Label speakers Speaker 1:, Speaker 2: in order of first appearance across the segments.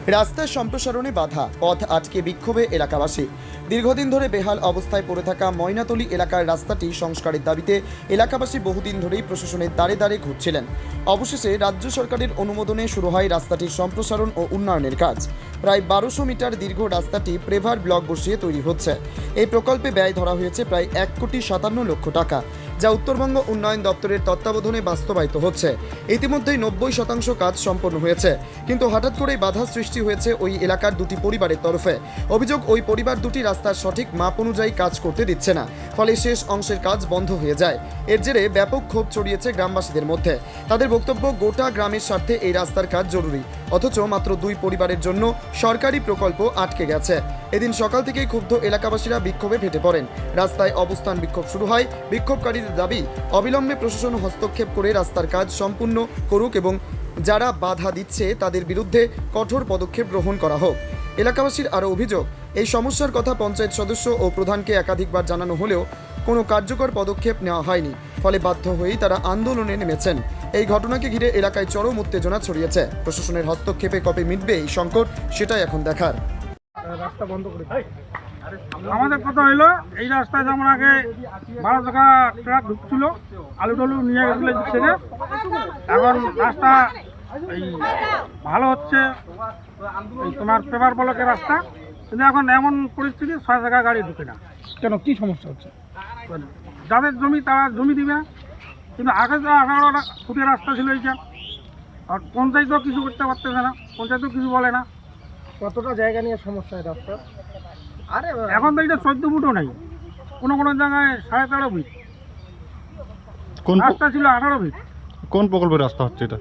Speaker 1: রাস্তার সম্প্রসারণে বাধা, পথ আটকে বিক্ষোভে এলাকাবাসী। দীর্ঘদিন ধরে বেহাল অবস্থায় পড়ে থাকা ময়নাতলী এলাকার রাস্তাটি সংস্কারের দাবিতে এলাকাবাসী বহুদিন ধরেই প্রশাসনের দ্বারে দ্বারে ঘুরছিলেন। অবশেষে রাজ্য সরকারের অনুমোদনে শুরু হয় রাস্তাটির সম্প্রসারণ ও উন্নয়নের কাজ। প্রায় 1200 মিটার দীর্ঘ রাস্তাটি প্রেভার ব্লক বসিয়ে তৈরি হচ্ছে। এই প্রকল্পে ব্যয় ধরা হয়েছে প্রায় 1,57,00,000 টাকা, যা উত্তরবঙ্গ উন্নয়ন দপ্তরের তত্ত্বাবধানে বাস্তবায়িত হচ্ছে। ইতিমধ্যেই 90% কাজ সম্পন্ন হয়েছে, কিন্তু হঠাৎ করেই বাধা সৃষ্টি হয়েছে ওই এলাকার দুটি পরিবারের তরফে। অভিযোগ, ওই পরিবার দুটি রাস্তার সঠিক মাপ অনুযায়ী কাজ করতে দিচ্ছে না, ফলে শেষ অংশের কাজ বন্ধ হয়ে যায়। এর জেরে ব্যাপক ক্ষোভ ছড়িয়েছে গ্রামবাসীদের মধ্যে। তাদের বক্তব্য, গোটা গ্রামের স্বার্থে এই রাস্তার কাজ জরুরি, অথচ মাত্র 2 পরিবারের জন্য সরকারি প্রকল্প আটকে গেছে। এদিন সকাল থেকেই ক্ষুব্ধ এলাকাবাসীরা বিক্ষোভে ফেটে পড়েন। রাস্তায় অবস্থান বিক্ষোভ শুরু হয়। বিক্ষোভকারীদের দাবি, অবিলম্বে প্রশাসন হস্তক্ষেপ করে রাস্তার কাজ সম্পূর্ণ করুক এবং যারা বাধা দিচ্ছে তাদের বিরুদ্ধে কঠোর পদক্ষেপ গ্রহণ করা হোক। এলাকাবাসীর আরও অভিযোগ, এই সমস্যার কথা পঞ্চায়েত সদস্য ও প্রধানকে একাধিকবার জানানো হলেও কোনো কার্যকর পদক্ষেপ নেওয়া হয়নি, ফলে বাধ্য হয়েই তারা আন্দোলনে নেমেছেন। এই ঘটনাকে ঘিরে এলাকায় চরম উত্তেজনা ছড়িয়েছে। প্রশাসনের হস্তক্ষেপে কবে মিটবে এই সংকট, সেটাই এখন দেখার।
Speaker 2: রাস্তা বন্ধ করে আমাদের কথা হইলো, এই রাস্তায় যেমন আগে 12 টাকা ট্রাক ঢুকছিল, আলু টালু নিয়ে গেছিল থেকে, এখন রাস্তা এই ভালো হচ্ছে, এই তোমার পেপার ব্লকের রাস্তা, কিন্তু এখন এমন পরিস্থিতি 6 টাকা গাড়ি ঢুকে না।
Speaker 3: কেন, কি সমস্যা হচ্ছে?
Speaker 2: যাদের জমি তারা জমি দিবে, কিন্তু আগে তো 18 ফুটের রাস্তা ছিল এইটা, আর পঞ্চায়েতও কিছু করতে পারতেছে না, পঞ্চায়েতও কিছু বলে না।
Speaker 3: কতটা জায়গা নিয়ে সমস্যা এই রাস্তা?
Speaker 2: আরে এখন তো এটা 14 ফুটও নাই, কোনো কোনো জায়গায় 13.5 ফিট
Speaker 4: কোন
Speaker 2: রাস্তা ছিল, 18 ফিট।
Speaker 4: কোন প্রকল্পের রাস্তা হচ্ছে এটা?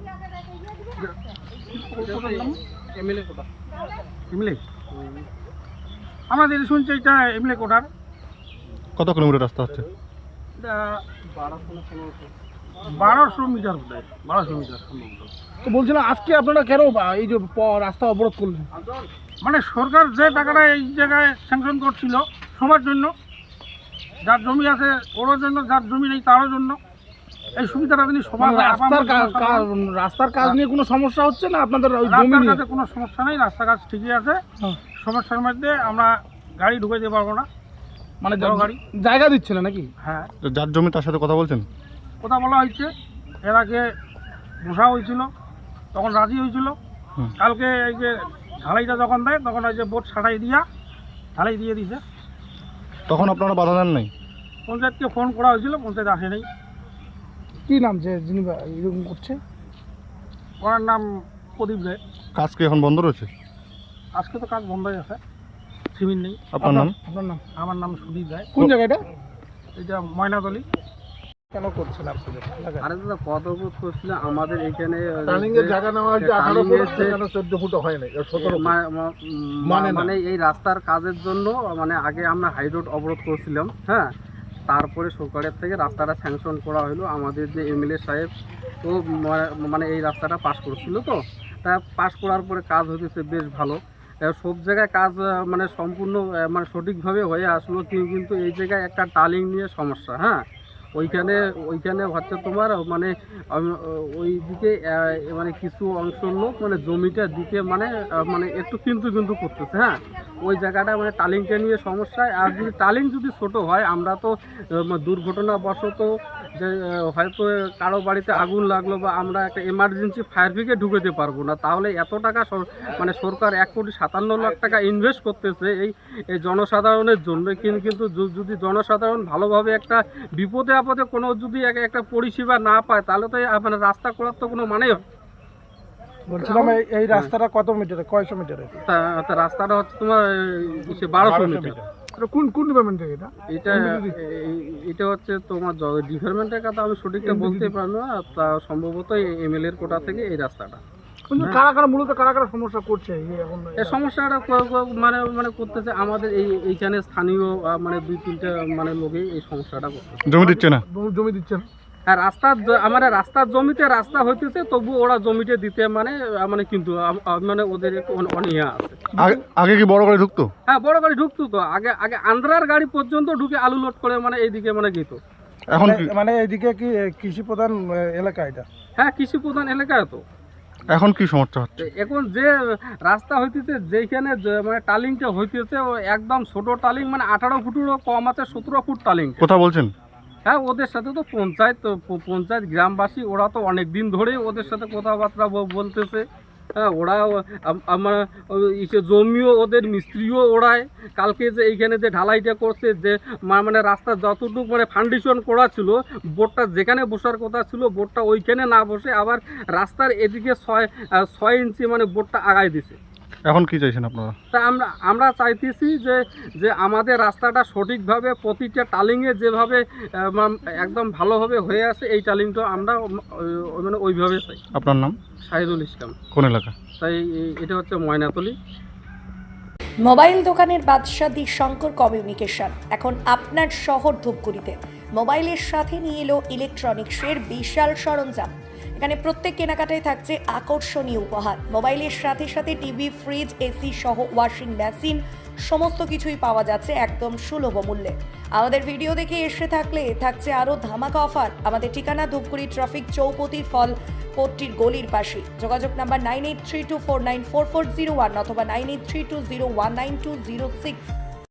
Speaker 2: এমএলএ আমাদের শুনছে এটা এমএলএ কোটার।
Speaker 4: কত কিলোমিটার রাস্তা হচ্ছে?
Speaker 2: এটা 1200 মিটার বোধ হয়, 1200 মিটার সম্ভবত।
Speaker 3: তো বলছিলাম, আজকে আপনারা কেন এই যে রাস্তা অবরোধ করলেন?
Speaker 2: মানে সরকার যে টাকাটা এই জায়গায় স্যাংশন করছিল সবার জন্য, যার জমি আছে ওর জন্য, যার জমি নেই তারও জন্য, এই সুবিধাটা তিনি সবার।
Speaker 3: রাস্তার কাজ নিয়ে কোনো সমস্যা হচ্ছে না আপনাদের? ওই জমি
Speaker 2: রাস্তার
Speaker 3: নিয়ে
Speaker 2: কাছে কোনো সমস্যা নেই, রাস্তার কাজ ঠিকই আছে।
Speaker 3: হ্যাঁ।
Speaker 2: সমস্যার মধ্যে আমরা গাড়ি ঢুকে যেতে পারবো না,
Speaker 3: মানে
Speaker 2: বড় গাড়ি
Speaker 3: জায়গা দিচ্ছে না নাকি?
Speaker 2: হ্যাঁ,
Speaker 4: তো যার জমি তার সাথে কথা বলছেন?
Speaker 2: কথা বলা হয়েছে, এর আগে বসা হয়েছিল, তখন রাজি হয়েছিল।
Speaker 4: হুম।
Speaker 2: কালকে এই যে ঢালাইটা যখন দেয় তখন ওই যে বোট ছাটাই দিয়া ঢালাই দিয়ে দিছে।
Speaker 4: তখন আপনারা বাধা দেন নাই?
Speaker 2: পঞ্চায়েতকে ফোন করা হয়েছিল, পঞ্চায়েত আসে নাই।
Speaker 3: কি নাম যে যিনি এরকম করছে?
Speaker 2: ওনার নাম প্রদীপ রায়।
Speaker 4: কাজ কি এখন বন্ধ রয়েছে?
Speaker 2: আজকে তো কাজ বন্ধই আছে, সিমেন্ট নেই।
Speaker 4: আপনার নাম?
Speaker 3: আপনার নাম?
Speaker 2: আমার নাম সুদীপ রায়।
Speaker 3: কোন জায়গাটা?
Speaker 2: এটা ময়নাতলী।
Speaker 3: কেন করছেন আপনাদের?
Speaker 5: আরে দাদা, কত ফুট করছিল আমাদের এখানে
Speaker 3: জায়গা নেওয়া হয়েছে 18 ফুট, সেখানে 14 ফুট হয় না, 17
Speaker 5: মানে এই রাস্তার কাজের জন্য মানে আগে আমরা হাই রোড অবরোধ করছিলাম। হ্যাঁ, তারপরে সরকারের থেকে রাস্তাটা স্যাংশন করা হলো। আমাদের যে এমএলএ সাহেব তো মানে এই রাস্তাটা পাস করছিল, তো তা পাস করার পরে কাজ হতেছে বেশ ভালো। সব জায়গায় কাজ মানে সম্পূর্ণ মানে সঠিকভাবে হয়ে আসলো, কিন্তু এই জায়গায় একটা টালিং নিয়ে সমস্যা। হ্যাঁ, ওইখানে হচ্ছে তোমার মানে ওই দিকে মানে কিছু অংশ লোক মানে জমিটার দিকে মানে মানে একটু কিন্তু করতেছে। হ্যাঁ, ওই জায়গাটা মানে টালিংটা নিয়ে সমস্যা। আর যদি টালিং যদি ছোট হয়, আমরা তো দুর্ঘটনাবশত যে হয়তো কারো বাড়িতে আগুন লাগলো বা আমরা একটা এমার্জেন্সি ফায়ার ব্রিগেড ঢুকেতে পারবো না, তাহলে এত টাকা মানে সরকার 1,57,00,000 টাকা ইনভেস্ট করতেছে এই জনসাধারণের জন্য। কিন্তু যদি জনসাধারণ ভালোভাবে একটা বিপদে আপদে কোনো যদি একটা পরিষেবা না পায়, তাহলে তো মানে রাস্তা করার তো কোনো মানেই হয়।
Speaker 3: বলছিলাম, এই রাস্তাটা কত মিটারে, কয়শো মিটারে?
Speaker 5: তা রাস্তাটা হচ্ছে তোমার 1200 মিটার।
Speaker 3: কোন ডিপার্টমেন্টের এটা?
Speaker 5: এটা হচ্ছে তোমার ডিপার্টমেন্টের কথা আমি সঠিকটা বলতে পারবো না, তা সম্ভবত এমএলএ এর কোটা থেকে এই রাস্তাটা।
Speaker 3: মূলত কারা সমস্যা করছে
Speaker 5: এই সমস্যাটা মানে মানে করতেছে আমাদের এইখানে স্থানীয় মানে 2-3টা মানে লোকই এই সমস্যাটা করতেছে।
Speaker 4: জমি দিচ্ছে না?
Speaker 3: জমি দিচ্ছে না।
Speaker 5: হ্যাঁ, আমাদের রাস্তার জমিতে রাস্তা হইতেছে, তবু ওরা জমিতে দিতে মানে মানে কিন্তু মানে ওদের একটু অনীহা আছে।
Speaker 4: আগে কি বড় গাড়ি ঢুকতো?
Speaker 5: হ্যাঁ, বড় গাড়ি ঢুকতো তো, আগে আন্ধ্রার গাড়ি পর্যন্ত ঢুকে আলু লোড করে মানে এইদিকে মানে গেত।
Speaker 4: এখন
Speaker 3: মানে এইদিকে কি কৃষি প্রধান এলাকা এটা?
Speaker 5: হ্যাঁ, কৃষি প্রধান এলাকায় তো।
Speaker 4: এখন কি সমস্যা হচ্ছে?
Speaker 5: তো এখন যে রাস্তা হইতেছে যেখানে মানে টালিংটা হইতেছে ও একদম ছোট টালিং, মানে 18 ফুটেরও কম আছে, 17 ফুট টালিং।
Speaker 4: কথা বলছেন?
Speaker 5: হ্যাঁ, ওদের সাথে তো পঞ্চায়েত গ্রামবাসী ওরা তো অনেক দিন ধরেই ওদের সাথে কথাবার্তা বলতেছে। হ্যাঁ, ওরা আমার জমিও ওদের, মিস্ত্রিও ওড়ায়। কালকে যে এইখানে যে ঢালাইটা করছে, যে মানে রাস্তা যতটুকু মানে ফাউন্ডেশন করা ছিল, বোর্ডটা যেখানে বসার কথা ছিল বোর্ডটা ওইখানে না বসে আবার রাস্তার এদিকে 6 ইঞ্চি মানে বোর্ডটা আগায় দিছে।
Speaker 4: এখন কি চাইছেন আপনারা?
Speaker 5: তা আমরা চাইতেছি যে আমাদের রাস্তাটা সঠিকভাবে প্রতিটা টালিংয়ে যেভাবে একদম ভালোভাবে হয়ে আছে, এই টালিংটা আমরা মানে ওইভাবে চাই।
Speaker 4: আপনার নাম?
Speaker 5: শাহিদুল ইসলাম।
Speaker 4: কোন এলাকা?
Speaker 5: তাই এটা হচ্ছে ময়নাতলী।
Speaker 6: মোবাইল দোকানের বাদশা দি শঙ্কর কমিউনিকেশন এখন আপনার শহর ধূপগুড়িতে মোবাইলের সাথে নিয়ে এলো ইলেকট্রনিক্সের বিশাল সরঞ্জাম। এখানে প্রত্যেক কেনাকাটায় থাকছে আকর্ষণীয় উপহার। মোবাইলের সাথে সাথে টিভি, ফ্রিজ, এসি সহ ওয়াশিং মেশিন সমস্ত কিছুই পাওয়া যাচ্ছে একদম সুলভ মূল্যে। আমাদের ভিডিও দেখে এসে থাকলে থাকছে আরও ধামাকা অফার। আমাদের ঠিকানা ধূপগুড়ি ট্রাফিক চৌপতি ফল পট্টির গলির পাশে। যোগাযোগ নাম্বার 9832494401 অথবা 9832019206।